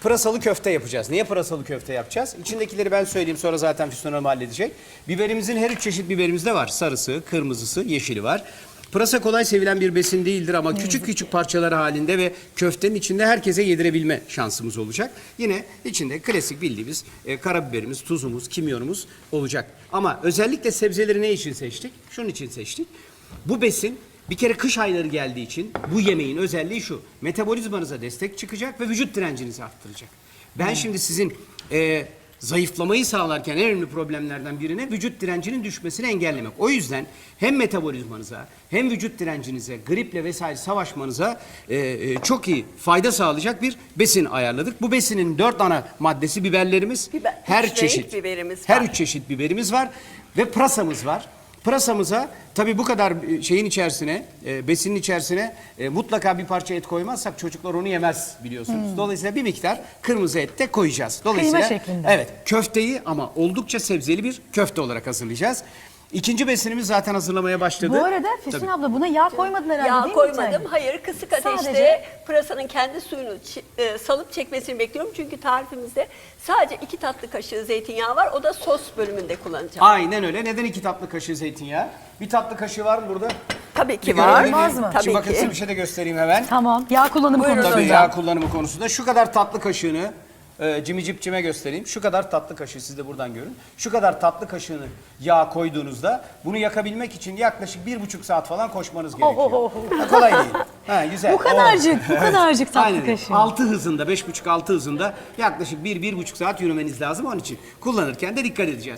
pırasalı köfte yapacağız. Niye pırasalı köfte yapacağız? İçindekileri ben söyleyeyim, sonra zaten Füsun Hanım halledecek. Biberimizin her 3 çeşit biberimiz de var. Sarısı, kırmızısı, yeşili var. Pırasa kolay sevilen bir besin değildir ama küçük küçük parçalar halinde ve köftenin içinde herkese yedirebilme şansımız olacak. Yine içinde klasik bildiğimiz karabiberimiz, tuzumuz, kimyonumuz olacak. Ama özellikle sebzeleri ne için seçtik? Şunun için seçtik. Bu besin bir kere kış ayları geldiği için bu yemeğin özelliği şu: metabolizmanıza destek çıkacak ve vücut direncinizi arttıracak. Ben şimdi sizin zayıflamayı sağlarken en önemli problemlerden birine vücut direncinin düşmesini engellemek. O yüzden hem metabolizmanıza hem vücut direncinize, griple vesaire savaşmanıza çok iyi fayda sağlayacak bir besin ayarladık. Bu besinin 4 ana maddesi biberlerimiz, her çeşit biberimiz var. Her 3 çeşit biberimiz var ve pırasamız var. Pırasamıza tabii bu kadar şeyin içerisine, besinin içerisine mutlaka bir parça et koymazsak çocuklar onu yemez biliyorsunuz. Dolayısıyla bir miktar kırmızı et de koyacağız. Dolayısıyla kıyma şeklinde. Evet, köfteyi ama oldukça sebzeli bir köfte olarak hazırlayacağız. İkinci besinimiz zaten hazırlamaya başladı. Bu arada Füsun abla buna yağ koymadın herhalde Yağ değil mi? bir koymadım. tane? Hayır, kısık ateşte Sadece- pırasanın kendi suyunu salıp çekmesini bekliyorum. Çünkü tarifimizde sadece 2 tatlı kaşığı zeytinyağı var. O da sos bölümünde kullanacağım. Aynen öyle. Neden 2 tatlı kaşığı zeytinyağı? Bir tatlı kaşığı var mı burada? Tabii ki Bir var. görebilir miyim? Olmaz mı? Tabii Şimdi bakın ki. size bir şey de göstereyim hemen. Tamam. Yağ kullanımı Buyurun konusunda. Tabii hocam. yağ kullanımı konusunda şu kadar tatlı kaşığını cimicipcime göstereyim. Şu kadar tatlı kaşığı, siz de buradan görün. Şu kadar tatlı kaşığını yağ koyduğunuzda bunu yakabilmek için yaklaşık 1,5 saat falan koşmanız gerekiyor. Ha, kolay değil. Ha, güzel. Bu kadarcık, bu kadarcık tatlı Aynen. kaşığı. 6 hızında, 5,5-6 hızında yaklaşık 1-1,5 saat yürümeniz lazım. Onun için kullanırken de dikkat edeceğiz.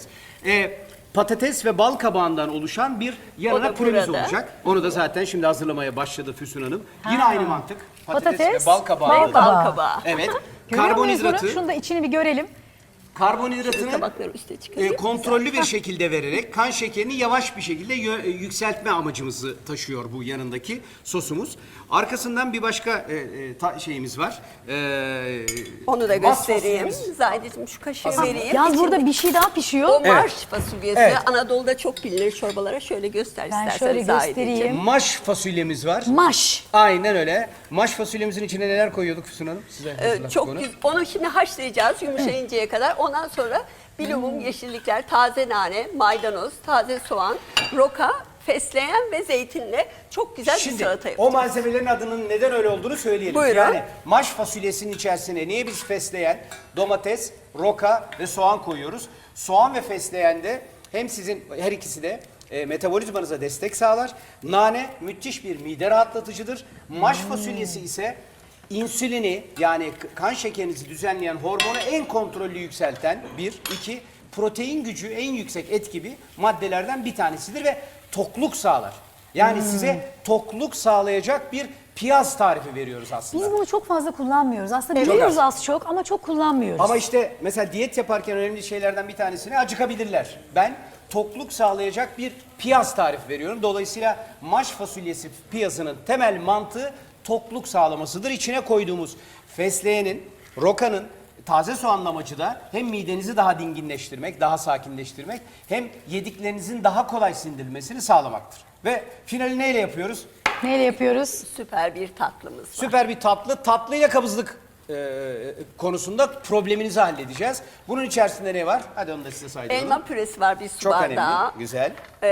Patates ve bal kabağından oluşan bir yanına O da püremiz burada. olacak. Onu da zaten şimdi hazırlamaya başladı Füsun Hanım. Yine aynı mantık. Patates, Patates, ve bal kabağı. bal kabağı. Bal kabağı. Evet. Görüyor muyuz Karbonhidratı, bunu? Şunu da içini bir görelim. karbonhidratını Tabakları üste çıkarayım. kontrollü bir şekilde vererek kan şekerini yavaş bir şekilde yükseltme amacımızı taşıyor bu yanındaki sosumuz. Arkasından bir başka şeyimiz var. Onu da Bas göstereyim. fasulyemiz. Zahideciğim şu kaşığı vereyim. Yalnız burada İçinde- bir şey daha O pişiyor. marş fasulyesi. Evet. Anadolu'da çok bilinir çorbalara. Şöyle göster Ben istersen şöyle Zahideciğim. göstereyim. Maş fasulyemiz var. Maş. Aynen öyle. Maş fasulyemizin içine neler koyuyorduk Füsun Hanım? Size hazırlattık Çok onu. güzel. Onu şimdi haşlayacağız yumuşayıncaya kadar. Ondan sonra bilumum, yeşillikler, taze nane, maydanoz, taze soğan, roka, fesleğen ve zeytinle çok güzel bir Şimdi salata o yapacağız. malzemelerin adının neden öyle olduğunu söyleyelim. Buyurun. Yani maş fasulyesinin içerisine niye biz fesleğen, domates, roka ve soğan koyuyoruz? Soğan ve fesleğen de hem sizin her ikisi de metabolizmanıza destek sağlar. Nane müthiş bir mide rahatlatıcıdır. Maş fasulyesi ise insülini, yani kan şekerinizi düzenleyen hormonu en kontrollü yükselten iki, protein gücü en yüksek et gibi maddelerden bir tanesidir ve tokluk sağlar. Yani size tokluk sağlayacak bir piyaz tarifi veriyoruz aslında. Biz bunu çok fazla kullanmıyoruz. Aslında Çok biliyoruz az. az çok ama çok kullanmıyoruz. Ama işte mesela diyet yaparken önemli şeylerden bir tanesine acıkabilirler. Ben tokluk sağlayacak bir piyaz tarifi veriyorum. Dolayısıyla maş fasulyesi piyazının temel mantığı tokluk sağlamasıdır. İçine koyduğumuz fesleğenin, rokanın, taze soğanın amacı da hem midenizi daha dinginleştirmek, daha sakinleştirmek, hem yediklerinizin daha kolay sindirilmesini sağlamaktır. Ve finali neyle yapıyoruz? Neyle yapıyoruz? Süper bir tatlımız var. Süper bir tatlı. Tatlıyla kabızlık konusunda probleminizi halledeceğiz. Bunun içerisinde ne var? Hadi onu da size saydıralım. Elma püresi var bir su Çok bardağı. önemli. Güzel.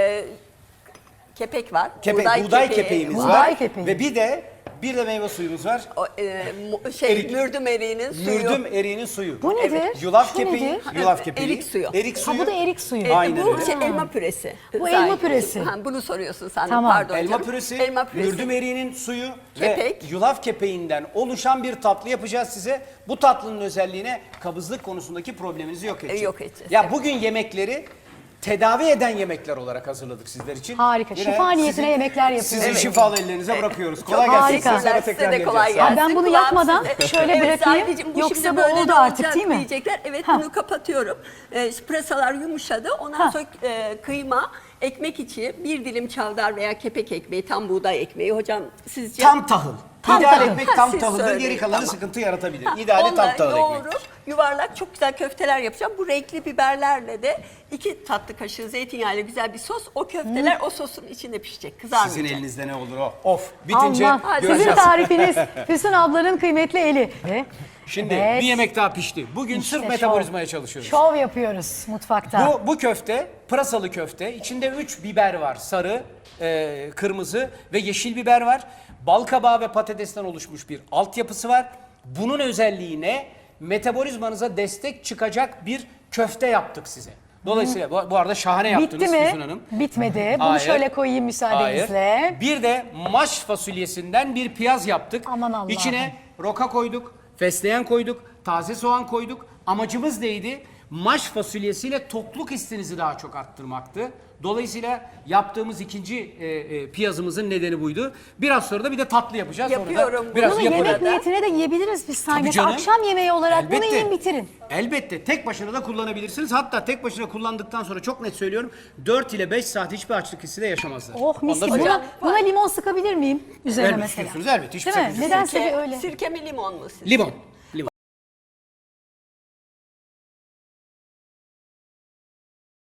Kepek var. Buğday kepeğimiz Buğday var. kepeği. Ve bir de meyve suyumuz var. Erik. Mürdüm eriğinin suyu. Mürdüm eriğinin suyu. Bu nedir? Yulaf Şu kepeği. nedir? Yulaf kepeği. Erik suyu. Erik Ha suyu. bu da erik suyu. Aynen Bu öyle. elma püresi. Bu elma püresi. Ha, bunu soruyorsun sen. Tamam. Pardon Elma canım. püresi, Elma püresi. mürdüm eriğinin suyu Kepek. ve yulaf kepeğinden oluşan bir tatlı yapacağız size. Bu tatlının özelliğine kabızlık konusundaki probleminizi yok edecek. Yok edeceğiz, Ya evet. bugün yemekleri tedavi eden yemekler olarak hazırladık sizler için. Harika. Şifa niyetine yemekler yapıyoruz. Sizin Evet. şifalı ellerinize bırakıyoruz. Kolay Çok gelsin. harika. Sonra Size tekrar de kolay geleceğiz. gelsin. Ben bunu Kulağım yakmadan size. şöyle bırakayım. Zahideciğim, Yoksa şimdi bu böyle oldu de artık, olacak değil mi? Diyecekler. Evet, Ha. bunu kapatıyorum. Pırasalar yumuşadı. Ondan sonra kıyma, ekmek içi bir dilim çavdar veya kepek ekmeği, tam buğday ekmeği. Hocam sizce? Tam tahıl. Tam İdeal tahıl. ekmek tam Siz tahıldır, söyleyin, geri kalanı tamam. sıkıntı yaratabilir. İdeali tam Onları tahıl ekmek. yoğurup yuvarlak çok güzel köfteler yapacağım. Bu renkli biberlerle de 2 tatlı kaşığı zeytinyağıyla güzel bir sos. O köfteler o sosun içinde pişecek, kızarmayacak. Sizin elinizde ne olur o? Of, bitince Allah. Sizin göreceğiz. tarifiniz Füsun ablanın kıymetli eli. Şimdi Evet. bir yemek daha pişti. Bugün İşte sırf şov. metabolizmaya çalışıyoruz. Şov yapıyoruz mutfakta. Bu köfte pırasalı köfte. İçinde 3 biber var. Sarı, kırmızı ve yeşil biber var. Bal kabağı ve patatesten oluşmuş bir altyapısı var. Bunun özelliği ne? Metabolizmanıza destek çıkacak bir köfte yaptık size. Dolayısıyla bu arada şahane yaptınız Bitti mi? Füsun Hanım. Bitmedi. Bunu Hayır. şöyle koyayım müsaadenizle. Hayır. Bir de maş fasulyesinden bir piyaz yaptık. Aman Allah'ım. İçine roka koyduk, fesleğen koyduk, taze soğan koyduk. Amacımız neydi? Maş fasulyesiyle tokluk hissinizi daha çok arttırmaktı. Dolayısıyla yaptığımız ikinci piyazımızın nedeni buydu. Biraz sonra da bir de tatlı yapacağız. Onu da Yapıyorum. biraz Bunu yapalım. yemek niyetine de yiyebiliriz biz sanki. Tabii canım. Akşam yemeği olarak bunu Elbette. yiyin bitirin. Elbette tek başına da kullanabilirsiniz. Hatta tek başına kullandıktan sonra çok net söylüyorum 4 ile 5 saat hiçbir açlık hissi de yaşamazlar. Oh mis Onu da gibi. söyleyeyim. Buna limon sıkabilir miyim? Üzerine Elbette mesela. istiyorsunuz, elbette. Hiçbir Değil mi? sakıncası yok. Nedense bir öyle. Sirke mi limon mu sizce? Limon.